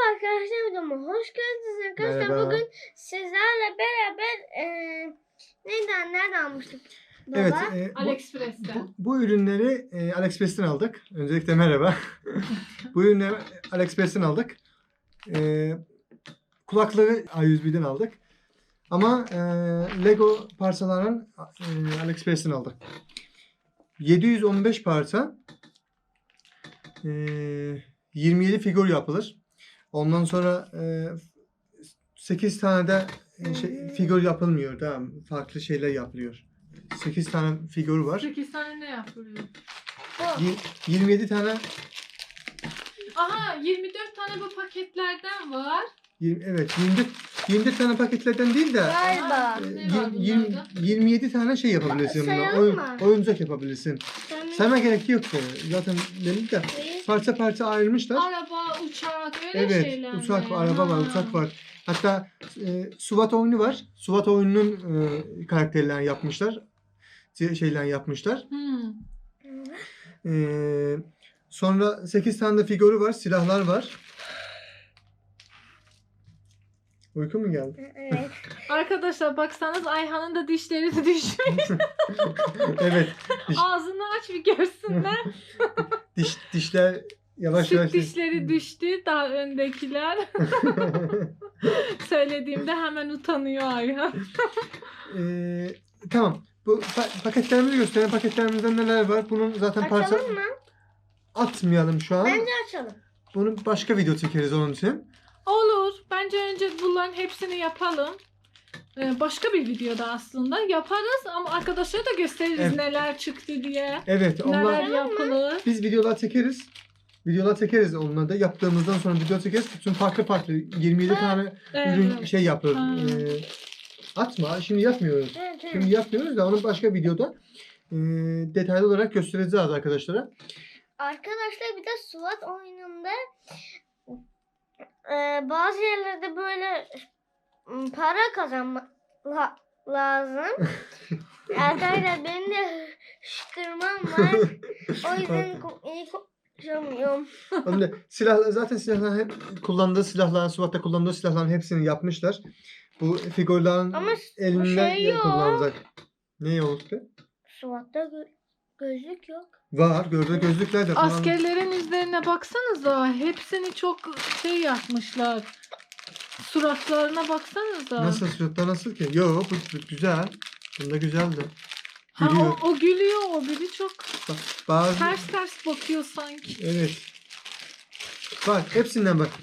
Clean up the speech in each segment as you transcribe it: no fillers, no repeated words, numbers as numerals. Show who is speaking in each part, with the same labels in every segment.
Speaker 1: arkadaşlar, videoma hoş geldiniz arkadaşlar.
Speaker 2: Merhaba.
Speaker 1: Bugün sizlerle beraber nereden almıştık? Baba?
Speaker 2: Evet,
Speaker 3: AliExpress'ten.
Speaker 2: bu ürünleri AliExpress'ten aldık. Öncelikle merhaba. Bu ürünleri AliExpress'ten aldık. Kulaklığı A101'den aldık. Ama Lego parçalarını AliExpress'ten aldık. 715 parça, 27 figür yapılır. Ondan sonra 8 tane de figür yapılmıyor. Tamam, farklı şeyler yapılıyor. 8 tane figür var.
Speaker 3: 8 tane ne yapılıyor?
Speaker 2: 27 tane.
Speaker 3: Aha, 24 tane bu paketlerden var.
Speaker 2: Evet, 24 tane paketlerden değil de
Speaker 1: Galiba.
Speaker 3: Ne var bunlarda?
Speaker 2: 27 tane şey yapabilirsin buna.
Speaker 1: Sayalım mı?
Speaker 2: Oyuncak yapabilirsin. Sayma gerek yok. Zaten benim de parça parça ayrılmışlar.
Speaker 3: Araba, uçak, öyle
Speaker 2: Evet,
Speaker 3: şeyler mi?
Speaker 2: uçak var, araba var, uçak var. Hatta SWAT oyunu var. SWAT oyununun karakterlerini yapmışlar. Şeyler yapmışlar. Sonra 8 tane de figürü var, silahlar var. Uyku mu geldi?
Speaker 1: Evet.
Speaker 3: Arkadaşlar baksanız Ayhan'ın da dişleri düşmüş.
Speaker 2: Evet.
Speaker 3: Ağzını aç bir görsünler.
Speaker 2: Dişler yavaş yavaş.
Speaker 3: Süt dişleri düştü, daha öndekiler. Söylediğimde hemen utanıyor Ayhan.
Speaker 2: Tamam. Bu paketlerimizi gösterelim. Paketlerimizde neler var? Bunun zaten parça
Speaker 1: Açalım mı?
Speaker 2: atmayalım şu an.
Speaker 1: Bence açalım.
Speaker 2: Bunu başka video çekeriz onun için.
Speaker 3: Olur. Bence önce bunların hepsini yapalım. Başka bir videoda aslında yaparız ama arkadaşlara da gösteririz
Speaker 2: Evet.
Speaker 3: neler çıktı diye.
Speaker 2: Evet,
Speaker 3: Neler
Speaker 2: onlar
Speaker 3: yapılır.
Speaker 2: biz videolar çekeriz. Videolar çekeriz onları da. Yaptığımızdan sonra video çekeriz. Bütün farklı 27 tane ürün
Speaker 3: Evet.
Speaker 2: şey yapıyoruz.
Speaker 3: Ha.
Speaker 2: Atma. Şimdi yapmıyoruz.
Speaker 1: Evet, evet.
Speaker 2: Şimdi yapmıyoruz da onu başka videoda detaylı olarak göstereceğiz arkadaşlara.
Speaker 1: Arkadaşlar bir de SWAT oyununda bazı yerlerde böyle para kazanmak lazım. Arkadaşlar benim de hışkırmam var. O yüzden iyi konuşamıyorum.
Speaker 2: Onun da zaten silahlar hep kullandığı silahlar, SWAT'ta kullandığı silahların hepsini yapmışlar. Bu figürlerin
Speaker 1: Ama
Speaker 2: elinden
Speaker 1: şey yok.
Speaker 2: kullanacak. Ne olur ki?
Speaker 1: SWAT'ta gözlük yok.
Speaker 2: Var. Gözlükler de falan.
Speaker 3: Askerlerin üzerine baksanıza. Hepsini çok şey yapmışlar. Suratlarına baksanıza.
Speaker 2: Nasıl suratlar nasıl ki? Yo, bu güzel. Bunda güzeldi.
Speaker 3: Ha,
Speaker 2: Gülüyor.
Speaker 3: o gülüyor, o biri çok
Speaker 2: Bazı
Speaker 3: ters bakıyor sanki.
Speaker 2: evet. Bak hepsinden bak.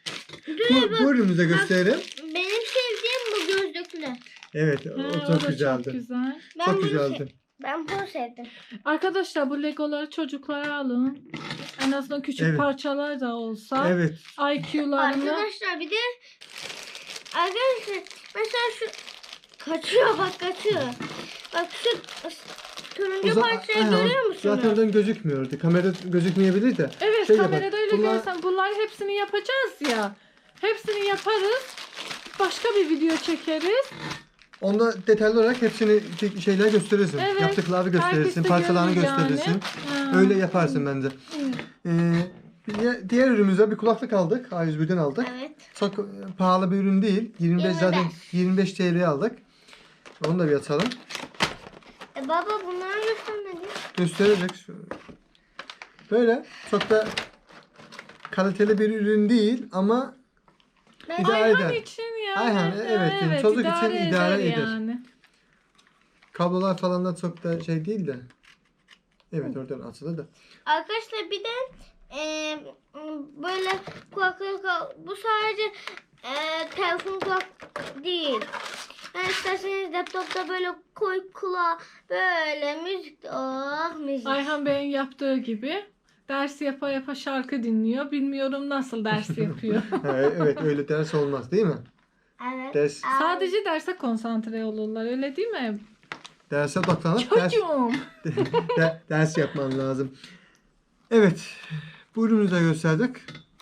Speaker 2: Bu ürünümüzü gösterelim.
Speaker 1: Benim sevdiğim bu gözlüklü.
Speaker 2: Evet,
Speaker 3: Ha,
Speaker 2: o
Speaker 3: o
Speaker 2: çok
Speaker 3: da
Speaker 2: güzeldi.
Speaker 3: çok güzel.
Speaker 2: Çok
Speaker 1: bunu
Speaker 2: güzeldi.
Speaker 1: Ben bunu sevdim.
Speaker 3: Arkadaşlar bu Legoları çocuklara alın. En azından küçük
Speaker 2: Evet.
Speaker 3: parçalar da olsa.
Speaker 2: Evet.
Speaker 3: IQ'larını.
Speaker 1: Arkadaşlar bir de arkadaşlar mesela şu kaçıyor, bak kaçıyor. Bak şu turuncu parçayı
Speaker 2: Aynen,
Speaker 1: görüyor musunuz?
Speaker 2: zaten oradan gözükmüyordu. Kamerada gözükmeyebilir de.
Speaker 3: Evet,
Speaker 2: Şey
Speaker 3: kamerada
Speaker 2: yapar,
Speaker 3: öyle
Speaker 2: bunlar-
Speaker 3: görsen bunlar hepsini yapacağız ya. Hepsini yaparız. Başka bir video çekeriz.
Speaker 2: Onda detaylı olarak hepsini şeyler gösterirsin.
Speaker 3: Evet.
Speaker 2: Yaptıklarını gösterirsin,
Speaker 3: Herkes de
Speaker 2: parçalarını
Speaker 3: görür yani.
Speaker 2: gösterirsin.
Speaker 3: Ha.
Speaker 2: Öyle yaparsın bence. Diğer ürünümüze bir kulaklık aldık. A101'den aldık.
Speaker 1: Evet.
Speaker 2: Çok pahalı bir ürün değil. 25 zaten 25 TL'ye aldık. Onu da bir açalım.
Speaker 1: Baba bunları göstermedi.
Speaker 2: Gösterecek. Böyle çok da kaliteli bir ürün değil ama
Speaker 1: Ben
Speaker 2: İdare
Speaker 3: Ayhan
Speaker 2: eder.
Speaker 3: için yani.
Speaker 2: Ayhan, evet, çocuk için idare eder.
Speaker 3: Yani.
Speaker 2: kablolar falan da çok da şey değil de. Evet, oradan açılır da.
Speaker 1: arkadaşlar bir de böyle kulaklık bu sadece telefon kulak değil. Yani isterseniz laptopta böyle koy kulağa böyle müzik. Oh müzik.
Speaker 3: Ayhan Bey'in yaptığı gibi ders yapa yapa şarkı dinliyor. Bilmiyorum nasıl ders yapıyor.
Speaker 2: Ha, evet, öyle ders olmaz değil mi?
Speaker 1: Evet.
Speaker 2: Ders,
Speaker 3: Sadece derse konsantre olurlar, öyle değil mi?
Speaker 2: derse odaklanıp
Speaker 3: Çocuğum.
Speaker 2: ders yapman lazım. Evet. Bu ürünü de gösterdik.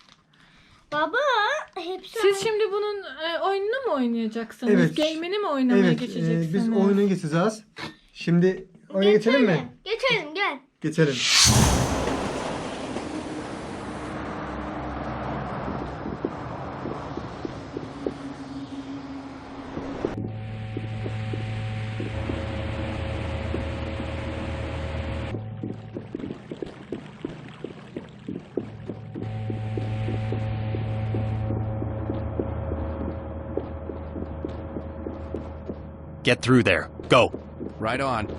Speaker 1: Baba hepsi
Speaker 3: Siz şimdi bunun oyununu mu oynayacaksınız?
Speaker 2: Evet.
Speaker 3: Game'ini mi oynamaya
Speaker 2: Evet.
Speaker 3: geçeceksiniz?
Speaker 2: Biz oyuna geçeceğiz. Şimdi oyuna geçelim mi?
Speaker 1: Geçelim gel.
Speaker 4: Get through there. Go.
Speaker 5: Right on.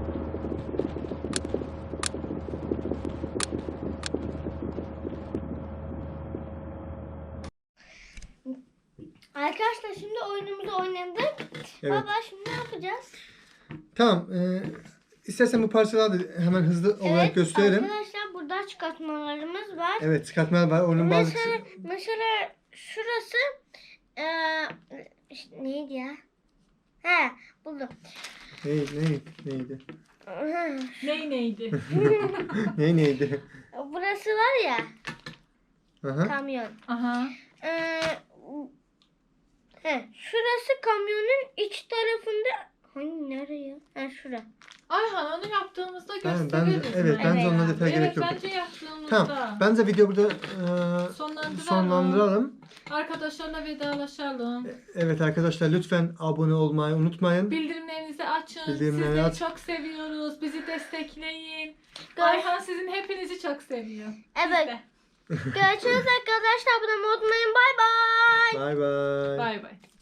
Speaker 1: Arkadaşlar şimdi oyunumuzu oynadık.
Speaker 2: Evet.
Speaker 1: Baba şimdi ne yapacağız?
Speaker 2: Tamam. İstersen bu parçaları da hemen hızlı olarak gösterelim.
Speaker 1: Arkadaşlar burada çıkartmalarımız var.
Speaker 2: Evet, çıkartmalar var. Onun bazı
Speaker 1: Mesela şurası neydi ya? He buldum.
Speaker 2: neydi?
Speaker 3: Neydi?
Speaker 2: Neydi?
Speaker 1: Burası var ya
Speaker 2: Aha.
Speaker 1: kamyon.
Speaker 3: Aha.
Speaker 1: Şurası kamyonun iç tarafında. Hani nereye? Şura.
Speaker 3: Ayhan onu yaptığımızda
Speaker 2: Ben
Speaker 3: gösteririz.
Speaker 2: evet, bence onunla detay gerek yok.
Speaker 3: Bence yaptığımızda.
Speaker 2: Tamam. Bence video burada sonlandıralım.
Speaker 3: Arkadaşlarla vedalaşalım.
Speaker 2: Evet arkadaşlar, lütfen abone olmayı unutmayın.
Speaker 3: Bildirimlerinizi açın.
Speaker 2: Bildirimleri
Speaker 3: Sizleri
Speaker 2: aç.
Speaker 3: çok seviyoruz. Bizi destekleyin.
Speaker 1: Gör-
Speaker 3: Ayhan sizin hepinizi çok seviyor.
Speaker 1: Evet.
Speaker 3: Biz de.
Speaker 1: Görüşürüz arkadaşlar. Abone olmayı unutmayın. Bay bay.
Speaker 2: Bay bay.
Speaker 3: Bay bay.